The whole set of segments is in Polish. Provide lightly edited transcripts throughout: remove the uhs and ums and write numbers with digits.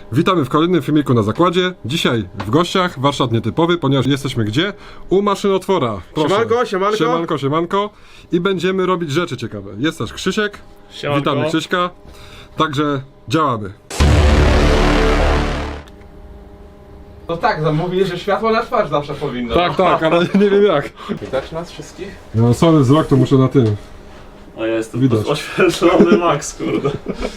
Witamy w kolejnym filmiku na zakładzie. Dzisiaj w gościach, warsztat nietypowy, ponieważ jesteśmy gdzie? U maszynotwora. Proszę. Siemanko, siemanko. Siemanko, siemanko. I będziemy robić rzeczy ciekawe. Jest też Krzysiek. Siemanko. Witamy Krzyśka. Także działamy. No tak, zamówili, że światło na twarz zawsze powinno. Tak, tak, ale nie wiem jak. Widać nas wszystkich? No sorry, wzrok to muszę na tym. A ja jestem Widać. oświetlony max, kurde.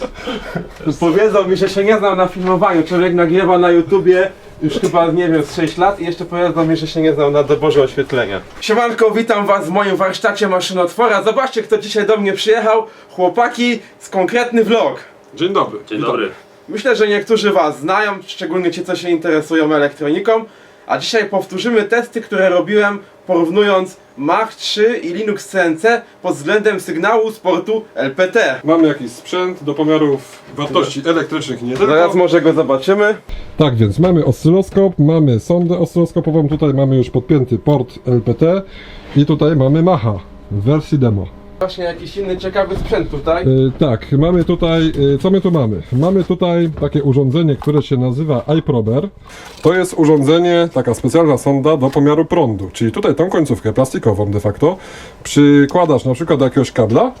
Powiedzą mi, że się nie znał na filmowaniu. Człowiek nagrywa na YouTubie już chyba, nie wiem, z 6 lat i jeszcze powiedzą mi, że się nie znał na doborze oświetlenia. Siemanko, witam was w moim warsztacie maszynotwora. Zobaczcie, kto dzisiaj do mnie przyjechał. Chłopaki z konkretny vlog. Dzień dobry. Dzień dobry. Myślę, że niektórzy was znają, szczególnie ci, co się interesują elektroniką. A dzisiaj powtórzymy testy, które robiłem porównując Mach 3 i Linux CNC pod względem sygnału z portu LPT. Mamy jakiś sprzęt do pomiarów wartości elektrycznych i nie tylko. Zaraz może go zobaczymy. Tak więc mamy oscyloskop, mamy sondę oscyloskopową, tutaj mamy już podpięty port LPT i tutaj mamy Macha w wersji demo. Właśnie jakiś inny ciekawy sprzęt tutaj. Tak, mamy tutaj, co my tu mamy? Mamy tutaj takie urządzenie, które się nazywa iProber. To jest urządzenie, taka specjalna sonda do pomiaru prądu, czyli tutaj tą końcówkę plastikową de facto przykładasz na przykład do jakiegoś kabla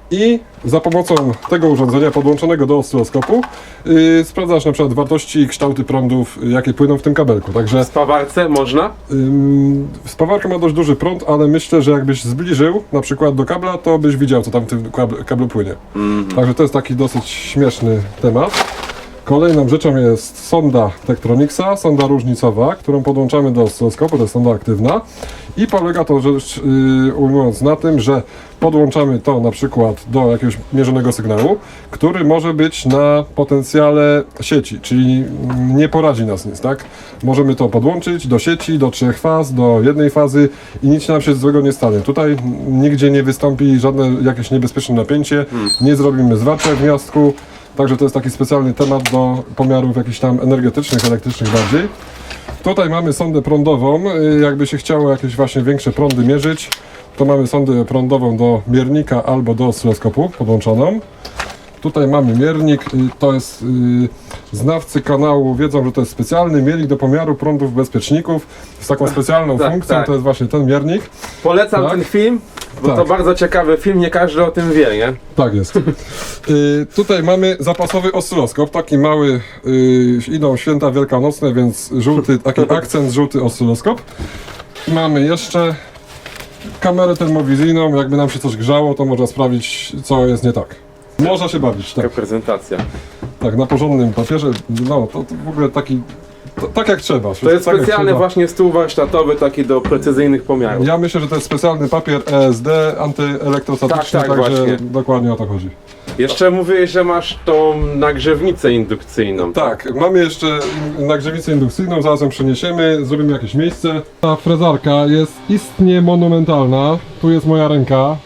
i za pomocą tego urządzenia podłączonego do oscyloskopu sprawdzasz na przykład wartości i kształty prądów, jakie płyną w tym kabelku. Także W spawarce można? spawarka ma dość duży prąd, ale myślę, że jakbyś zbliżył na przykład do kabla, to byś widział, co tam w tym kablu płynie. Także to jest taki dosyć śmieszny temat. Kolejną rzeczą jest sonda Tektronix'a, sonda różnicowa, którą podłączamy do oscyloskopu, to jest sonda aktywna. I polega to rzecz ujmując na tym, że podłączamy to na przykład do jakiegoś mierzonego sygnału, który może być na potencjale sieci, czyli nie poradzi nas nic, tak? Możemy to podłączyć do sieci, do 3 faz, do jednej fazy i nic nam się złego nie stanie. Tutaj nigdzie nie wystąpi żadne jakieś niebezpieczne napięcie, nie zrobimy zwarcia w gniazdku. Także to jest taki specjalny temat do pomiarów jakichś tam energetycznych, elektrycznych bardziej. Tutaj mamy sondę prądową, jakby się chciało jakieś właśnie większe prądy mierzyć, to mamy sondę prądową do miernika albo do oscyloskopu podłączoną. Tutaj mamy miernik, to jest znawcy kanału wiedzą, że to jest specjalny miernik do pomiaru prądów bezpieczników z taką specjalną Tak, funkcją, tak. to jest właśnie ten miernik. Polecam Tak. ten film, bo Tak. to bardzo ciekawy film, nie każdy o tym wie, nie? Tak jest. Tutaj mamy zapasowy oscyloskop, taki mały, idą święta wielkanocne, więc żółty, taki akcent żółty oscyloskop. Mamy jeszcze kamerę termowizyjną, jakby nam się coś grzało, to można sprawdzić, co jest nie tak. Można się bawić, tak. Taka prezentacja. Tak, na porządnym papierze, no to w ogóle taki, tak jak trzeba. To jest tak jak specjalny trzeba. właśnie stół warsztatowy, taki do precyzyjnych pomiarów. Ja myślę, że to jest specjalny papier ESD, antyelektrostatyczny, Tak, tak, także właśnie. dokładnie o to chodzi. Jeszcze mówiłeś, że masz tą nagrzewnicę indukcyjną. Tak, mamy jeszcze nagrzewicę indukcyjną, zaraz ją przeniesiemy, zrobimy jakieś miejsce. Ta frezarka jest istnie monumentalna, tu jest moja ręka.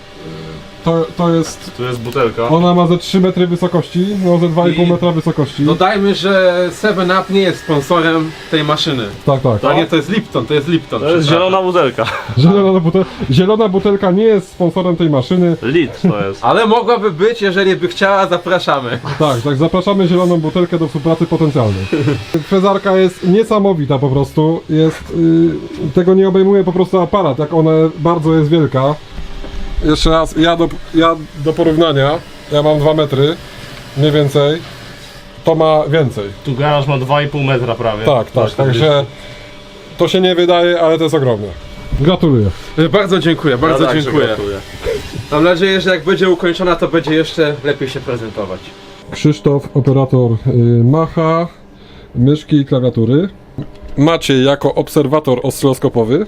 To jest, Tu jest butelka. ona ma ze 3 metry wysokości, no ze 2,5 I- metra wysokości. Dodajmy, że 7up nie jest sponsorem tej maszyny. Tak, tak. A nie, to jest Lipton, to jest Lipton. To jest zielona butelka. Zielona butelka nie jest sponsorem tej maszyny. Lit to jest. Ale mogłaby być, jeżeli by chciała, zapraszamy. Tak, zapraszamy zieloną butelkę do współpracy potencjalnej. Frezarka jest niesamowita po prostu, jest, tego nie obejmuje po prostu aparat, jak ona bardzo jest wielka. Jeszcze raz, ja do porównania, ja mam 2 metry, mniej więcej, to ma więcej. Tu garaż ma 2,5 metra prawie. Tak, także to się nie wydaje, ale to jest ogromne. Gratuluję. Bardzo dziękuję, bardzo także dziękuję. gratuluję. Mam nadzieję, że jak będzie ukończona, to będzie jeszcze lepiej się prezentować. Krzysztof, operator Macha, myszki i klawiatury. Maciej jako obserwator oscyloskopowy.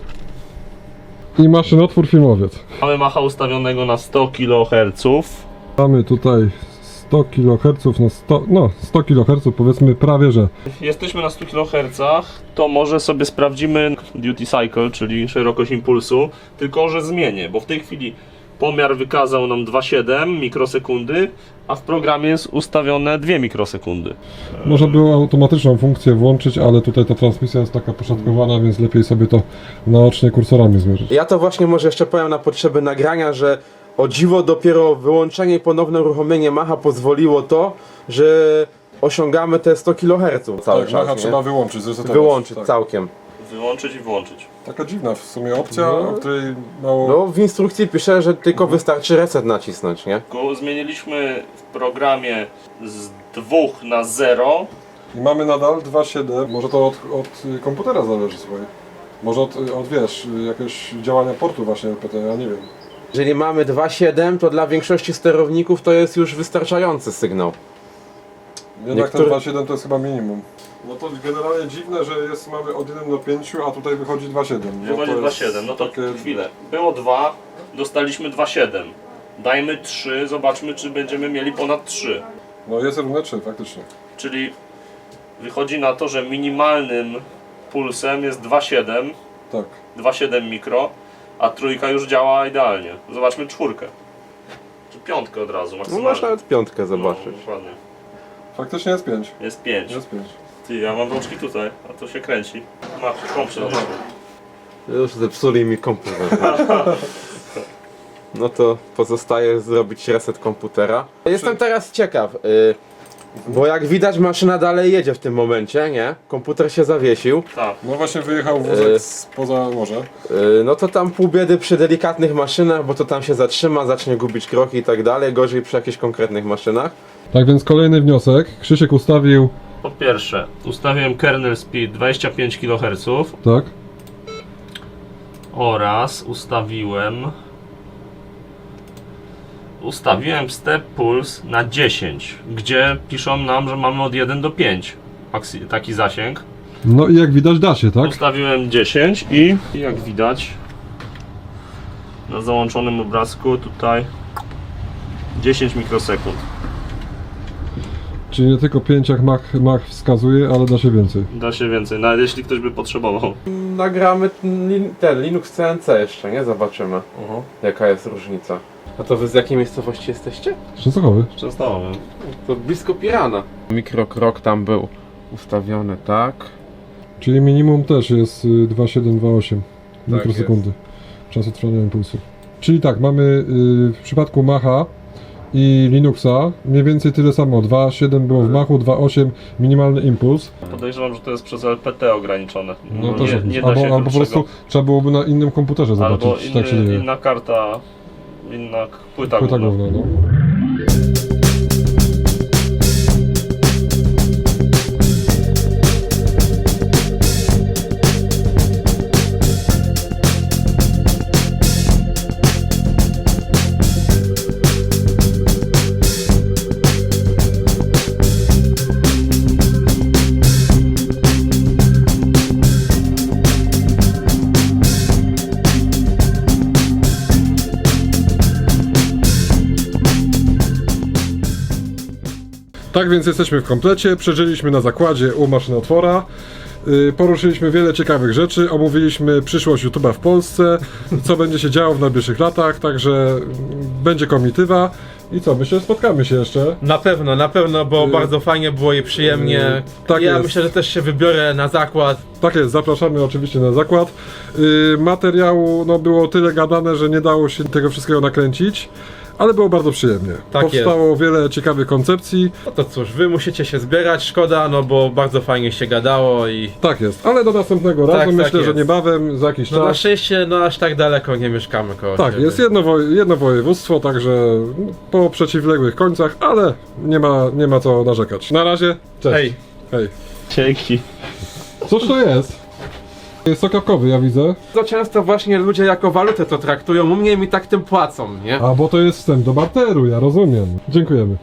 I maszynotwór filmowiec. Mamy Macha ustawionego na 100 kHz. Mamy tutaj 100 kHz, 100 kHz powiedzmy prawie, że. Jesteśmy na 100 kHz, to może sobie sprawdzimy duty cycle, czyli szerokość impulsu, tylko że zmienię, bo w tej chwili pomiar wykazał nam 2,7 mikrosekundy, a w programie jest ustawione 2 mikrosekundy. Można było automatyczną funkcję włączyć, ale tutaj ta transmisja jest taka poszatkowana, więc lepiej sobie to naocznie kursorami zmierzyć. Ja to właśnie może jeszcze powiem na potrzeby nagrania, że o dziwo dopiero wyłączenie i ponowne uruchomienie Macha pozwoliło to, że osiągamy te 100 kHz cały Tak, czas, macha nie? trzeba wyłączyć, zresetować. Wyłączyć tak. całkiem. Wyłączyć i włączyć. Taka dziwna w sumie opcja, No. o której mało... No w instrukcji pisze, że tylko wystarczy reset nacisnąć, nie? Go zmieniliśmy w programie z 2 na 0. I mamy nadal 2.7. Może to od komputera zależy, słuchaj. Może od wiesz, jakiegoś działania portu właśnie LPT, ja nie wiem. Jeżeli mamy 2.7, to dla większości sterowników to jest już wystarczający sygnał. Jednak Niektóre- ten 2.7 to jest chyba minimum. No to generalnie dziwne, że mamy od 1 do 5, a tutaj wychodzi 2.7. Wychodzi 2,7. No to chwilę. Było 2, dostaliśmy 2,7. Dajmy 3, zobaczmy czy będziemy mieli ponad 3. No jest równe 3, faktycznie. Czyli wychodzi na to, że minimalnym pulsem jest 2,7. Tak. 2,7 mikro, a trójka już działa idealnie. Zobaczmy czwórkę. Czy piątkę od razu No maksymalnie. masz nawet piątkę zobaczyć. No, dokładnie. Faktycznie jest 5. Jest 5. Jest 5. Ty, ja mam rączki tutaj, a to się kręci. Masz, komputer. Już zepsuli mi komputer. No to pozostaje zrobić reset komputera. Jestem teraz ciekaw, bo jak widać maszyna dalej jedzie w tym momencie, nie? Komputer się zawiesił. Tak. No właśnie wyjechał wózek spoza morza. No to tam pół biedy przy delikatnych maszynach, bo to tam się zatrzyma, zacznie gubić kroki i tak dalej. Gorzej przy jakichś konkretnych maszynach. Tak więc kolejny wniosek. Krzysiek ustawił... Po pierwsze, ustawiłem kernel speed 25 kHz Tak. oraz ustawiłem step pulse na 10, gdzie piszą nam, że mamy od 1 do 5 taki zasięg. No i jak widać da się, tak? Ustawiłem 10 i jak widać na załączonym obrazku tutaj 10 mikrosekund. Czyli nie tylko 5 jak Mach wskazuje, ale da się więcej. Da się więcej, nawet jeśli ktoś by potrzebował. Nagramy ten Linux CNC jeszcze, nie? Zobaczymy, jaka jest różnica. A to wy z jakiej miejscowości jesteście? Częstochowy. Częstochowy. To blisko Pirana. Mikrokrok tam był ustawiony, tak? Czyli minimum też jest 2,728 mikrosekundy czasu trwania impulsu. Czyli tak, mamy w przypadku Macha i Linuxa mniej więcej tyle samo. 2,7 było w Machu, 2,8 minimalny impuls. Podejrzewam, że to jest przez LPT ograniczone. No Bo też nie da się albo po krótszego. prostu trzeba byłoby na innym komputerze Albo zobaczyć, tak się dzieje. inna karta, inna płyta Płyta główna. główna, no. Tak więc jesteśmy w komplecie, przeżyliśmy na zakładzie u maszynotwora. Poruszyliśmy wiele ciekawych rzeczy, omówiliśmy przyszłość YouTube'a w Polsce, co będzie się działo w najbliższych latach, także będzie komitywa. I co, myślę, że spotkamy się jeszcze. Na pewno, bo bardzo fajnie było i przyjemnie. tak Ja jest. myślę, że też się wybiorę na zakład. Tak jest, zapraszamy oczywiście na zakład. Materiału było tyle gadane, że nie dało się tego wszystkiego nakręcić, ale było bardzo przyjemnie. Tak Powstało wiele ciekawych koncepcji. No to cóż, wy musicie się zbierać, szkoda, no bo bardzo fajnie się gadało i... Tak jest, ale do następnego razu, tak myślę, że jest. niebawem, za jakiś No na czas. szczęście, no aż tak daleko nie mieszkamy koło Tak, siebie. jest jedno województwo, także po przeciwległych końcach, ale nie ma co narzekać. Na razie, cześć. Hej. Hej. Dzięki. Cóż to jest? Jest sok jabłkowy, ja widzę. To często właśnie ludzie jako walutę to traktują, u mnie mi tak tym płacą, nie? A, bo to jest wstęp do barteru, ja rozumiem. Dziękujemy.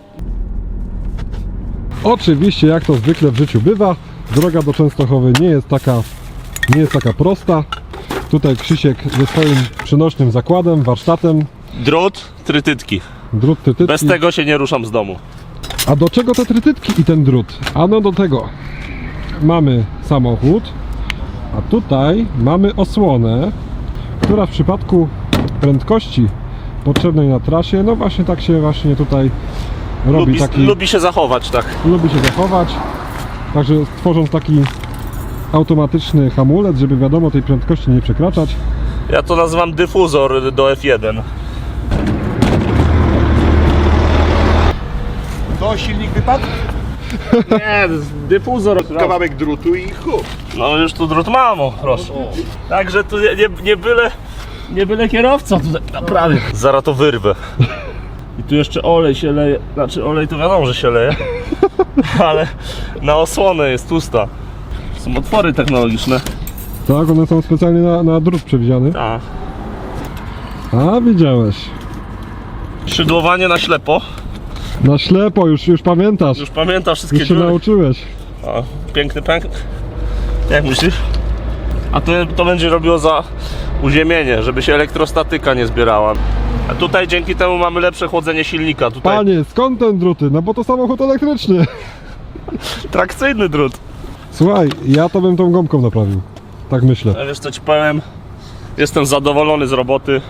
Oczywiście, jak to zwykle w życiu bywa, droga do Częstochowy nie jest taka prosta. Tutaj Krzysiek ze swoim przenośnym zakładem, warsztatem, Drut, trytytki. drut, trytytki. Bez tego się nie ruszam z domu. A do czego te trytytki i ten drut? Ano do tego. Mamy samochód, a tutaj mamy osłonę, która w przypadku prędkości potrzebnej na trasie, no właśnie tak się właśnie tutaj robi, Lubi się zachować, tak. lubi się zachować. Także tworząc taki automatyczny hamulec, żeby wiadomo tej prędkości nie przekraczać. Ja to nazywam dyfuzor do F1. To silnik wypadł? Nie, dyfuzor. Kawałek drutu i chup. No już tu drut mam, o, proszę. Także tu nie byle kierowca tutaj naprawię. Zaraz to wyrwę. I tu jeszcze olej się leje, znaczy olej to wiadomo, że się leje, ale na osłonę jest tłusta. Są otwory technologiczne. Tak, one są specjalnie na drut przewidziane. Tak. A, widziałeś. Szydłowanie na ślepo. Na ślepo, już pamiętasz. Już pamiętam wszystkie Już się dziury. nauczyłeś. O, piękny pęk. Jak myślisz? A to będzie robiło za uziemienie, żeby się elektrostatyka nie zbierała. A tutaj dzięki temu mamy lepsze chłodzenie silnika. Tutaj Panie, skąd ten druty? No bo to samochód elektryczny. trakcyjny drut. Słuchaj, ja to bym tą gąbką naprawił. Tak myślę. A wiesz co ci powiem? Jestem zadowolony z roboty.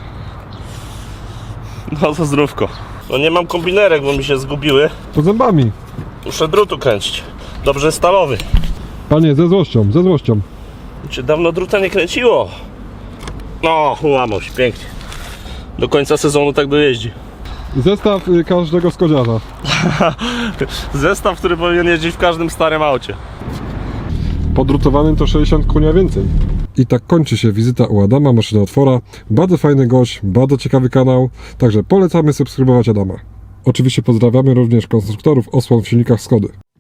No to zdrówko. No nie mam kombinerek, bo mi się zgubiły. Pod zębami. Muszę drutu kręcić. Dobrze stalowy. Panie, ze złością, ze złością. Cię dawno druta nie kręciło. No, ułamał się, pięknie. Do końca sezonu tak dojeździ. Zestaw każdego skodziarza. Zestaw, który powinien jeździć w każdym starym aucie. Podrutowanym to 60 konia więcej. I tak kończy się wizyta u Adama Maszynotwora. Bardzo fajny gość, bardzo ciekawy kanał, także polecamy subskrybować Adama. Oczywiście pozdrawiamy również konstruktorów osłon w silnikach Skody.